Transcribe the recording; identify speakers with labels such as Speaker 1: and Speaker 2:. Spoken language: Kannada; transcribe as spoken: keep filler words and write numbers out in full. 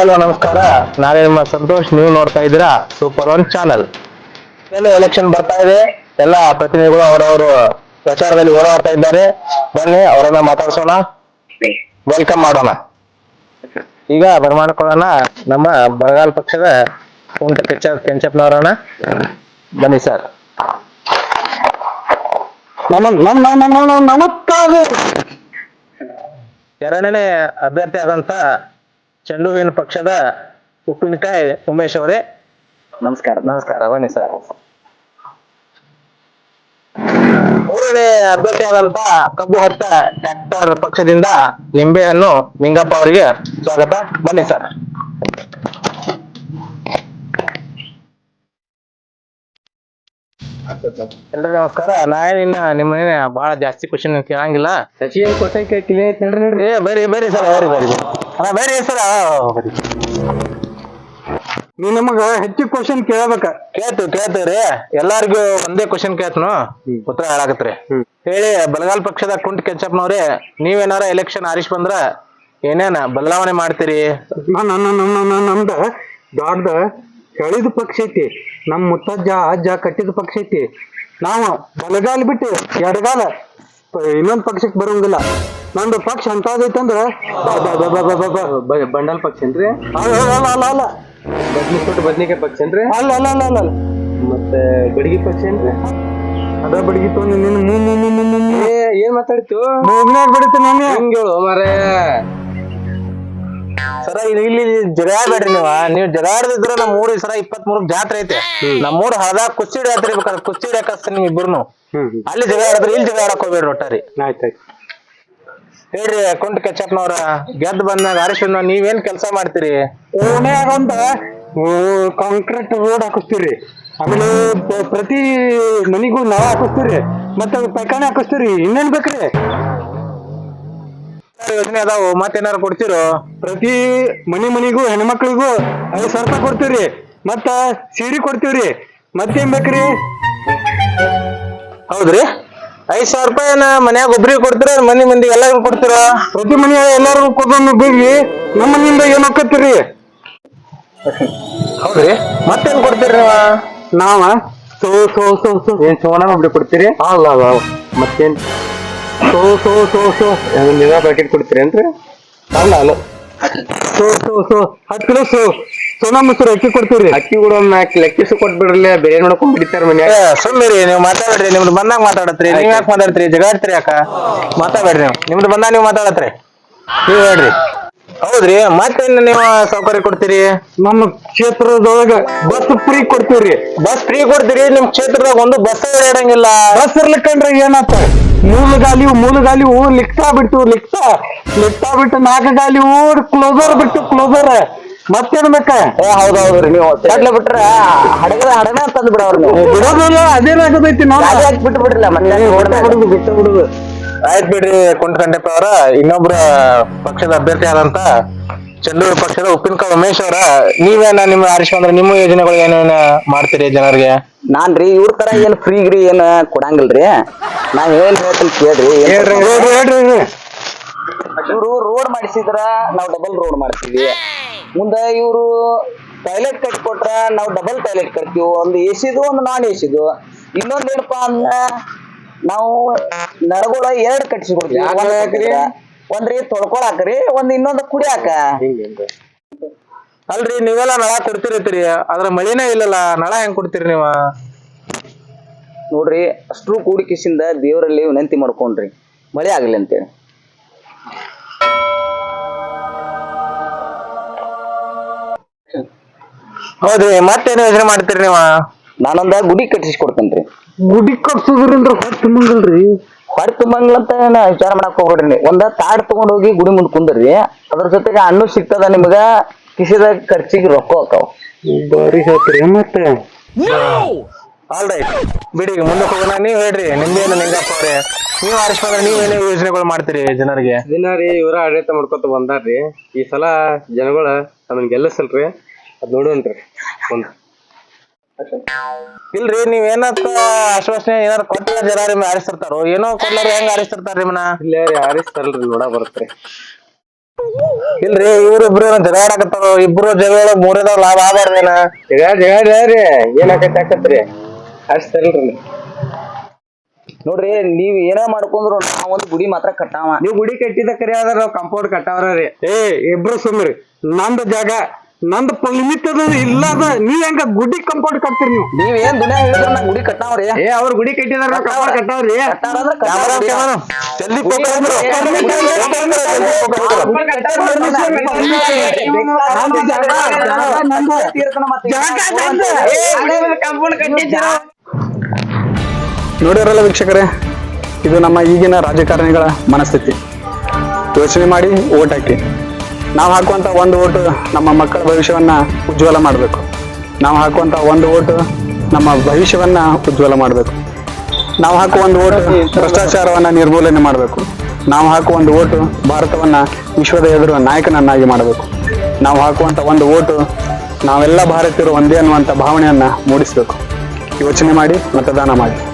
Speaker 1: ಹಲೋ ನಮಸ್ಕಾರ. ನಾನೇ ನಿಮ್ಮ ಸಂತೋಷ್. ನೀವು ನೋಡ್ತಾ ಇದ್ದೀರಾ ಸೂಪರ್ ಒನ್ ಚಾನಲ್. ಎಲ್ಲ ಎಲೆಕ್ಷನ್ ಬರ್ತಾ ಇದೆ. ಎಲ್ಲ ಪ್ರತಿನಿಧಿಗಳು ಅವರವರು ಪ್ರಚಾರದಲ್ಲಿ ಓಡಾಡ್ತಾ ಇದ್ದಾರೆ. ಬನ್ನಿ ಅವರನ್ನ ಮಾತಾಡ್ಸೋಣ, ವೆಲ್ಕಮ್ ಮಾಡೋಣ. ಈಗ ಬರಮಾಡ್ಕೊಳ್ಳೋಣ ನಮ್ಮ ಬರಗಾಲ ಪಕ್ಷದ ಕುಂಟ ಕೆಂಚ ಕೆಂಚಪ್ಪನವರನ್ನ. ಬನ್ನಿ ಸರ್.
Speaker 2: ನಮ ನಮ್ ನಮ್ ನಮ್ ನಮ್ ನಮಸ್ಕಾರ.
Speaker 1: ಎರಡನೇ ಅಭ್ಯರ್ಥಿ ಆದಂತ ಚೆಂಡು ಹೂವಿನ ಪಕ್ಷದ ಉಪ್ಪಿನಕಾಯಿ ಉಮೇಶ್ ಅವರೇ,
Speaker 2: ನಮಸ್ಕಾರ.
Speaker 1: ನಮಸ್ಕಾರ. ಬನ್ನಿ ಸರ್. ಮೂರನೇ ಅಭ್ಯರ್ಥಿ ಆದಂತ ಕಬ್ಬು ಹೊತ್ತ ಟ್ರ್ಯಾಕ್ಟರ್ ಪಕ್ಷದಿಂದ ನಿಂಬೆಯನ್ನು ನಿಂಗಪ್ಪ ಅವರಿಗೆ ಸ್ವಾಗತ. ಬನ್ನಿ ಸರ್. ಎಲ್ರಿಗೂ ನಮಸ್ಕಾರ. ನಾನಿನ್ನ ನಿಮ್ಮ ಬಹಳ ಜಾಸ್ತಿ ಕ್ವಶನ್ ಕೇಳಂಗಿಲ್ಲ.
Speaker 2: ಸಚಿನ್ ಕೊಟ್ಟೆ ಕೇಳಿ ನೋಡ್ರಿ.
Speaker 1: ಏ ಬರ್ರಿ ಬರ್ರಿ ಸರ್, ಬರ್ರಿ ಬರ್ರಿ ಅಣ್ಣ, ಬರ್ರಿ ಸರ್. ಬರ್ರಿ.
Speaker 2: ನೀವ್ ನಮಗ ಹೆಚ್ಚು ಕ್ವಶನ್ ಕೇಳಬೇಕ.
Speaker 1: ಕೇಳ್ತು ಕೇಳ್ತೀವ್ರಿ. ಎಲ್ಲಾರ್ಗು ಒಂದೇ ಕ್ವಶನ್ ಕೇಳ್ತನು, ಉತ್ತರ ಹೇಳಾಕತ್ರಿ. ಹೇಳಿ, ಬಲಗಾಲ ಪಕ್ಷದ ಕುಂಟ ಕೆಂಚಪ್ಪನವ್ರೆ, ನೀವೇನಾರ ಎಲೆಕ್ಷನ್ ಆರಿಸ್ ಬಂದ್ರ ಏನೇನ ಬದಲಾವಣೆ ಮಾಡ್ತೀರಿ?
Speaker 2: ನಮ್ದ ದೊಡ್ಡ ಕಳಿದ ಪಕ್ಷ ಐತಿ. ನಮ್ ಮುತ್ತಜ್ಜ ಅಜ್ಜ ಕಟ್ಟಿದ ಪಕ್ಷ ಐತಿ. ನಾವು ಬಲಗಾಲ ಬಿಟ್ಟು ಎಡಗಾಲ ಇನ್ನೊಂದ್ ಪಕ್ಷಕ್ಕೆ ಬರೋಂಗಿಲ್ಲ. ನಂದು ಪಕ್ಷ ಅಂತದೈತಂದ್ರ
Speaker 3: ಬಂಡಲ್ ಪಕ್ಷ ಏನ್ರಿ?
Speaker 2: ಅಲ್ಲ ಅಲ್ಲ ಅಲ್ಲ ಅಲ್ಲ
Speaker 3: ಬದ್ನಿ ಕೊಟ್ಟು ಬದ್ನಿಕಾಯಿ ಪಕ್ಷ ಏನ್ರಿ?
Speaker 2: ಅಲ್ಲ ಅಲ್ಲ ಅಲ್ಲ ಅಲ್ಲ ಅಲ್ಲ
Speaker 3: ಮತ್ತೆ ಬಡಗಿ ಪಕ್ಷ ಏನ್ರಿ?
Speaker 2: ಅದ ಬಡಗಿತ್ತು ನಿನ್ನ ಮೂ ಮೂ ಮೂ ಮೂ ಮೂ
Speaker 3: ಏ ಏನ್ ಮಾತಾಡ್ತು?
Speaker 2: ಮೂಗ್ನಾಗ ಬಡಿತು ನಾನು.
Speaker 3: ಹೆಂಗ್ ಹೇಳು ಮಾರೇ?
Speaker 1: ಸರ ಇಲ್ಲಿ ಇಲ್ಲಿ ಜಗಾಡ್ಬೇಡ್ರಿ ನೀವ. ನೀವ್ ಜಗಾಡ್ದಿದ್ರ ನಮ್ ಮೂರ್ ಸರ ಇಪ್ಪತ್ ಮೂರಕ್ ಜಾತ್ರೆ ಐತೆ. ನಮ್ ಮೂರ್ ಹಳದಾಗ ಕುಸ್ತಿ ಜಾತ್ರೆ ಬೇಕಾದ್ರೆ ಕುಸ್ತಿ ಹಾಕಸ್ತೀನಿ ನಿಮ್ ಇಬ್ಬರ್ನು. ಅಲ್ಲಿ ಜಗಾಡಿದ್ರಿ, ಇಲ್ಲಿ ಜಗಾಡಕ್ ಹೋಗ್ಬೇಡ್ರಿ ಒಟ್ಟಾರಿ.
Speaker 2: ಆಯ್ತಾಯ್ತು.
Speaker 1: ಹೇಳ್ರಿ ಕುಂಟ ಕೆಂಚಪ್ಪನವ್ರ, ಗೆದ್ದು ಬಂದಾಗ ಆರಿಸ್ ಬಂದಾಗ ನೀವೇನ್ ಕೆಲಸ ಮಾಡ್ತೀರಿ?
Speaker 2: ಓಣ್ಯಾಗ ಒಂದ ಕಾಂಕ್ರೀಟ್ ರೋಡ್ ಹಾಕಿಸ್ತೀರಿ. ಆಮೇಲೆ ಪ್ರತಿ ಮನಿಗೂ ನಾವ್ ಹಾಕಿಸ್ತೀರಿ. ಮತ್ತೆ ಪೈಖಾನೆ ಹಾಕಿಸ್ತೀರಿ. ಇನ್ನೇನ್ ಬೇಕ್ರಿ?
Speaker 1: ಯೋಜನೆ ಅದಾವು, ಮತ್ತೇನಾರು ಕೊಡ್ತಿರೋ?
Speaker 2: ಪ್ರತಿ ಮನಿ ಮನಿಗೂ ಹೆಣ್ಮಕ್ಳಿಗೂ ಐದ್ ಸಾವಿರ ರೂಪಾಯಿ ಕೊಡ್ತೀವ್ರಿ. ಮತ್ತ ಸೀರೆ ಕೊಡ್ತೀವ್ರಿ. ಮತ್ತೇನ್ ಬೇಕ್ರಿ?
Speaker 1: ಹೌದ್ರಿ. ಐದ್ ಸಾವಿರ ರೂಪಾಯಿನ ಮನ್ಯಾಗ ಒಬ್ರಿಗೆ ಕೊಡ್ತೀರ, ಮನಿ ಮಂದಿಗೆ ಎಲ್ಲಾರು ಕೊಡ್ತೀರ?
Speaker 2: ಪ್ರತಿ ಮನಿ ಎಲ್ಲಾರು ಕೊಡೋನು ಬಿಡ್ರಿ. ನಮ್ಮ ಮನಿಯಿಂದ ಏನ್ ಹಾಕತ್ತೀರಿ?
Speaker 1: ಹೌದ್ರಿ. ಮತ್ತೇನ್ ಕೊಡ್ತೀರಿ ನೀವ?
Speaker 2: ನಾವ ಸೋ ಸೋ ಸೋ ಸೋ
Speaker 3: ಏನ್ ಸೋನಾ ಒಬ್ರಿ ಕೊಡ್ತೀರಿ?
Speaker 2: ಅಲ್ಲ ಅಲ್ಲ
Speaker 3: ಮತ್ತೇನ್
Speaker 2: ಸೋ ಸೋ ಸೋ ಸೋ
Speaker 3: ನೀವ ಪ್ಯಾಕೆಟ್ ಕೊಡ್ತೀರೇನ್ರಿ?
Speaker 2: ಅಲ್ಲ ಅಲ್ಲ ಸೋ ಸೋ ಸೋ ಹತ್ತು ಕಿಲೋ ಸೋ ಸೋನಾ ಮೊಸರು ಅಕ್ಕಿ ಕೊಡ್ತೀವ್ರಿ.
Speaker 3: ಅಕ್ಕಿ ಕೂಡ ಒಂದ್ ನಾಲ್ಕು ಲೆಕ್ಕಿಸ್ ಕೊಟ್ಬಿಡ್ರಲ್ಲ, ಬೇರೆ ನೋಡ್ಕೊಂಡ್ ಬಿಡ್ತಾರ ಮನ್ಯಾಗ.
Speaker 1: ಸುಮ್ಮಿರಿ, ನೀವು ಮಾತಾಡ್ರಿ. ನಿಮ್ದು ಬಂದಾಗ ಮಾತಾಡತ್ರಿ. ನೀವ್ ಯಾಕೆ ಮಾತಾಡ್ತೀರಿ? ಜಗಾಡ್ತೀರಿ ಯಾಕ? ಮಾತಾಡ್ಬೇಡ್ರಿ ನೀವು. ನಿಮ್ದು ಬಂದಾಗ ನೀವು ಮಾತಾಡತ್ರಿ. ನೀವ್ ಹೇಳ್ರಿ. ಹೌದ್ರಿ. ಮತ್ತೇನ್ ನೀವು ಸೌಕರ್ಯ ಕೊಡ್ತೀರಿ?
Speaker 2: ನಮ್ಮ ಕ್ಷೇತ್ರದೊಳಗ ಬಸ್ ಫ್ರೀ ಕೊಡ್ತೀವ್ರಿ.
Speaker 1: ಬಸ್ ಫ್ರೀ ಕೊಡ್ತೀರಿ. ನಿಮ್ ಕ್ಷೇತ್ರದಾಗ ಒಂದು ಬಸ್ ಇರಂಗಿಲ್ಲ.
Speaker 2: ಬಸ್ ಇರ್ಲಿಕ್ಕಂದ್ರೆ ಏನಾತ? ಮೂಲ ಗಾಲಿವು ಮೂಲ ಗಾಲಿವು ಲಿಕ್ತಾ ಬಿಟ್ಟು ಲಿಕ್ತಾ ಲಿಕ್ತಾ ಬಿಟ್ಟು ನಾಲ್ಕು ಗಾಲಿವು ಕ್ಲೋಸರ್ ಬಿಟ್ಟು ಕ್ಲೋಸರ್. ಮತ್ತೇನ್ ಬೇಕ?
Speaker 1: ಏ ಹೌದೌದ್ರಿ. ನೀವು ಚಡ್ಲ ಬಿಟ್ರ ಹಡಗದ ಹಡಗ ತಂದ್ ಬಿಡವ್ರಿ ನೀವು.
Speaker 2: ಬಿಡೋದಿಲ್ಲ, ಅದೇನಾಗದೈತಿ ನಾವು
Speaker 1: ಬಿಟ್ಟು ಬಿಡ್ರಿಲ್ಲ. ಮತ್ತೆ
Speaker 2: ಬಿಡುದು ಬಿಟ್ಟು ಬಿಡುದು.
Speaker 1: ಆಯ್ತು ಬಿಡ್ರಿ ಕುಂಟ ಕಂಡಪ್ಪ ಅವರ. ಇನ್ನೊಬ್ರ ಪಕ್ಷದ ಅಭ್ಯರ್ಥಿ ಆದಂತ ಚಂದೂರು ಪಕ್ಷದ ಉಪ್ಪಿನಕಾಯಿ ಉಮೇಶ್ ಅವರ, ನೀವೇನ ನಿಮ್ಮ ಆರಿಸ್ ಅಂದ್ರೆ ನಿಮ್ಮ ಯೋಜನೆಗಳು ಏನೇನ ಮಾಡ್ತೀರಿ ಜನರಿಗೆ?
Speaker 4: ನಾನ್ರಿ ಇವ್ರ ತರ ಏನ್ ಫ್ರೀಗ್ರಿ ಏನ್ ಕೊಡಂಗಿಲ್ರಿ. ನಾವ್ ಏನ್ ಹೇಳ್ತೀನಿ ಕೇಳ್ರಿ. ಇವ್ರು ರೋಡ್ ಮಾಡಿಸಿದ್ರ ನಾವ್ ಡಬಲ್ ರೋಡ್ ಮಾಡ್ತೀವಿ. ಮುಂದ ಇವ್ರು ಟಾಯ್ಲೆಟ್ ಕಟ್ಕೊಟ್ರ ನಾವ್ ಡಬಲ್ ಟಾಯ್ಲೆಟ್ ಕಟ್ತೀವಿ. ಒಂದು ಎಸಿದು ಒಂದು ನಾನ್ ಎಸಿದು. ಇನ್ನೊಂದ್ ಏನಪ್ಪಾ ಅಂದ್ರ ನಾವು ನಳಗಳ ಎರಡ್ ಕಟ್ಸಿ ಕೊಡ್ತೀವಿ. ಒಂದ್ರಿ ತೊಳ್ಕೊಳಾಕ್ರಿ, ಒಂದ್ ಇನ್ನೊಂದ್ ಕುಡಿಯಾಕ.
Speaker 1: ಅಲ್ರಿ, ನೀವೆಲ್ಲ ನಳ ಕೊಡ್ತಿರತ್ತೀರಿ, ಅದ್ರ ಮಳಿನೇ ಇಲ್ಲಲ್ಲ, ನಳ ಹೆಂಗ್ ಕೊಡ್ತೀರಿ ನೀವ?
Speaker 4: ನೋಡ್ರಿ, ಅಷ್ಟ್ರು ಕೂಡಿಕಿಸಿಂದ ದೇವರಲ್ಲಿ ವಿನಂತಿ ಮಾಡ್ಕೊಂಡ್ರಿ ಮಳೆ ಆಗ್ಲಿ ಅಂತೇಳಿ.
Speaker 1: ಹೌದ್ರಿ. ಮತ್ತೇನು ಯೋಜನೆ ಮಾಡ್ತೀರಿ ನೀವ?
Speaker 4: ನಾನೊಂದ ಗುಡಿ ಕಟ್ಟಿಸಿ ಕೊಡ್ತೇನ್ರಿ.
Speaker 2: ಗುಡಿ ಕಟ್ಸೋದ್ರಿಂದ ಹೊಟ್ಟೆ ತುಂಬಂಗಿಲ್ರಿ.
Speaker 4: ಹೊಟ್ಟೆ ತುಂಬಂಗಿಲ್ಲ ಅಂತ ವಿಚಾರ ಮಾಡಕ್ ಹೋಗ್ಬಿಡ್ರಿ. ಒಂದ ತಾಡ್ ತಗೊಂಡ್ ಹೋಗಿ ಗುಡಿ ಮುಂದ್ ಕುಂದ್ರಿ. ಅದ್ರ ಜೊತೆಗೆ ಹಣ್ಣು ಸಿಗ್ತದ ನಿಮ್ಗ. ಕಿಸಿದಾಗ ಖರ್ಚಿಗೆ ರೊಕ್ಕ ಹೋಗ್ತಾವ.
Speaker 2: ಬಾರಿ ಹೇಳ್ತೀರಿ. ಮತ್ತೆ
Speaker 1: ಆಲ್ ರೈಟ್ ಬಿಡಿ, ಮುಂದಕ್ಕೆ ಹೋಗೋಣ. ನೀವ್ ಹೇಳ್ರಿ, ನಿಮ್ದೇನು ನಿಂಗಪ್ಪ ಅವ್ರೆ, ನೀವ್ ಆರಿಸ್ ಬಂದ್ರೆ ನೀವೇನೇ ಯೋಜನೆಗಳು ಮಾಡ್ತೀರಿ ಜನರಿಗೆ?
Speaker 3: ದಿನ ರೀ ಇವರ ಆಡಳಿತ ಮಾಡ್ಕೊತ ಬಂದಾರ್ರಿ. ಈ ಸಲ ಜನಗಳ ಅದನ್ನ ಗೆಲ್ಲಿಸಲ್ರಿ, ಅದ್ ನೋಡೋಣ್ರಿ. ಒಂದ್
Speaker 1: ಇಲ್ರಿ, ನೀವ್ ಏನತ್ತ ಆಶ್ವಾಸನೆ ಏನಾರು ಕೊಟ್ಟ ಜನ ನಿಮ್ ಆರಿಸ್ತಿರ್ತಾರೋ ಏನೋ ಕೊಡ್ಲಾರ ಹೆಂಗ್ ಆರಿಸ್ತಿರ್ತಾರ ನಿಮ್ಮನ್ನ?
Speaker 3: ಇಲ್ಲೇ ರೀ ಆರಿಸ್ತಾರಲ್ರಿ, ನೋಡ ಬರತ್ರಿ.
Speaker 1: ಇಲ್ರಿ ಇವ್ರಿಬ್ರು ಜಗಳ ಆಡಕತ್ತಾರ, ಇಬ್ರು ಜಗಳ ಮೂರನೇದವ್ರ ಲಾಭ ಆಗಬಾರ್ದೇನ?
Speaker 3: ಜಗಳ ಜಗಳ ರೀ ಏನಾಕೈತಿ ಆಕತ್ರಿ ಅಷ್ಟ್ ತರಲ್ರಿ.
Speaker 4: ನೋಡ್ರಿ ನೀವ್ ಏನ ಮಾಡ್ಕೊಂಡ್ರು ನಾವೊಂದು ಗುಡಿ ಮಾತ್ರ ಕಟ್ಟಾವ.
Speaker 3: ನೀವ್ ಗುಡಿ ಕಟ್ಟಿದ ಕರಿ ಆದ್ರ ನಾವ್ ಕಾಂಪೌಂಡ್ ಕಟ್ಟಾವ್ರ ರೀ.
Speaker 2: ಏ ಇಬ್ರು ಸುಮ್ರಿ, ನಂದ್ ಜಾಗ ನಂದ್ ಲಿಮಿಟ್ ಅದ ಇಲ್ಲದ, ನೀವ್ ಹೆಂಗ ಗುಡಿ ಕಂಪೌಂಡ್ ಕಟ್ತೀರಿ ನೀವು?
Speaker 4: ನೀವ್ ಏನ್ ದುನಿಯಾ ಹೇಳಿದ್ರ ನಾ ಗುಡಿ ಕಟ್ಟಾವ್ರಿ.
Speaker 3: ಏ ಅವ್ರ ಗುಡಿ ಕಟ್ಟಿದಾರ ನಾವ್ ಕಾಂಪೌಂಡ್ ಕಟ್ಟಾವ್ರಿ.
Speaker 4: ಕಟ್ಟಾರಂದ್ರ ಕಟ್ಟಾವ್ರಿ.
Speaker 1: ಜಲ್ದಿ focus ಮಾಡು.
Speaker 2: ನೋಡಿರಲ್ಲ ವೀಕ್ಷಕರೇ, ಇದು ನಮ್ಮ ಈಗಿನ ರಾಜಕಾರಣಿಗಳ ಮನಸ್ಥಿತಿ. ಯೋಚನೆ ಮಾಡಿ ಓಟ್ ಹಾಕಿ. ನಾವು ಹಾಕುವಂತ ಒಂದು ಓಟು ನಮ್ಮ ಮಕ್ಕಳ ಭವಿಷ್ಯವನ್ನ ಉಜ್ವಲ ಮಾಡಬೇಕು. ನಾವು ಹಾಕುವಂತ ಒಂದು ಓಟು ನಮ್ಮ ಭವಿಷ್ಯವನ್ನ ಉಜ್ವಲ ಮಾಡಬೇಕು. ನಾವು ಹಾಕುವ ಒಂದು ಓಟು ಭ್ರಷ್ಟಾಚಾರವನ್ನ ನಿರ್ಮೂಲನೆ ಮಾಡಬೇಕು. ನಾವು ಹಾಕುವ ಒಂದು ಓಟು ಭಾರತವನ್ನ ವಿಶ್ವದ ಎದುರು ನಾಯಕನನ್ನಾಗಿ ಮಾಡಬೇಕು. ನಾವು ಹಾಕುವಂತ ಒಂದು ಓಟು ನಾವೆಲ್ಲ ಭಾರತೀಯರು ಒಂದೇ ಅನ್ನುವಂಥ ಭಾವನೆಯನ್ನ ಮೂಡಿಸಬೇಕು. ಯೋಚನೆ ಮಾಡಿ ಮತದಾನ ಮಾಡಿ.